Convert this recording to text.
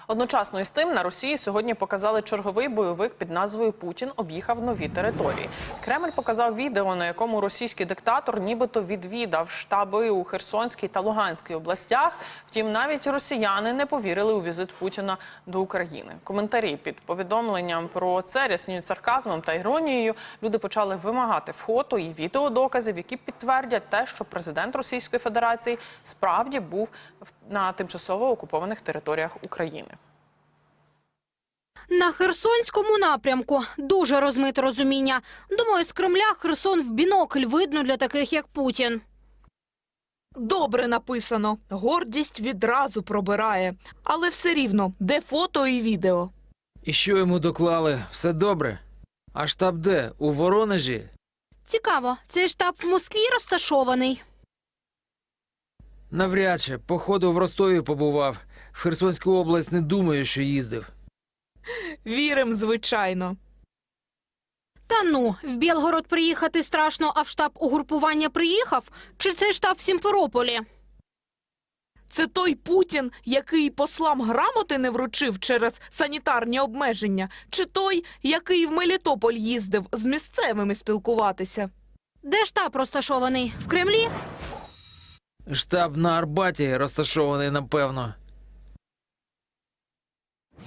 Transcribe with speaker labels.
Speaker 1: Одночасно із тим на Росії сьогодні показали черговий бойовик під назвою «Путін об'їхав нові території». Кремль показав відео, на якому російський диктатор нібито відвідав штаби у Херсонській та Луганській областях. Втім, навіть росіяни не повірили у візит Путіна до України. Коментарі під повідомленням про це рясніють сарказмом та іронією. Люди почали вимагати фото і відеодоказів, які підтвердять те, що президент Російської Федерації справді був на тимчасово окупованих територіях України.
Speaker 2: На Херсонському напрямку дуже розмите розуміння. Думаю, з Кремля Херсон в бінокль видно для таких, як Путін.
Speaker 3: Добре написано. Гордість відразу пробирає. Але все рівно, де фото і відео?
Speaker 4: І що йому доклали? Все добре? А штаб де? У Воронежі?
Speaker 2: Цікаво, цей штаб в Москві розташований?
Speaker 4: Навряд чи. Походу в Ростові побував. В Херсонську область не думаю, що їздив.
Speaker 3: Вірим, звичайно.
Speaker 2: Та ну, в Білгород приїхати страшно, а в штаб угрупування приїхав? Чи цей штаб в Сімферополі?
Speaker 3: Це той Путін, який послам грамоти не вручив через санітарні обмеження? Чи той, який в Мелітополь їздив з місцевими спілкуватися?
Speaker 2: Де штаб розташований? В Кремлі?
Speaker 4: Штаб на Арбаті розташований, напевно.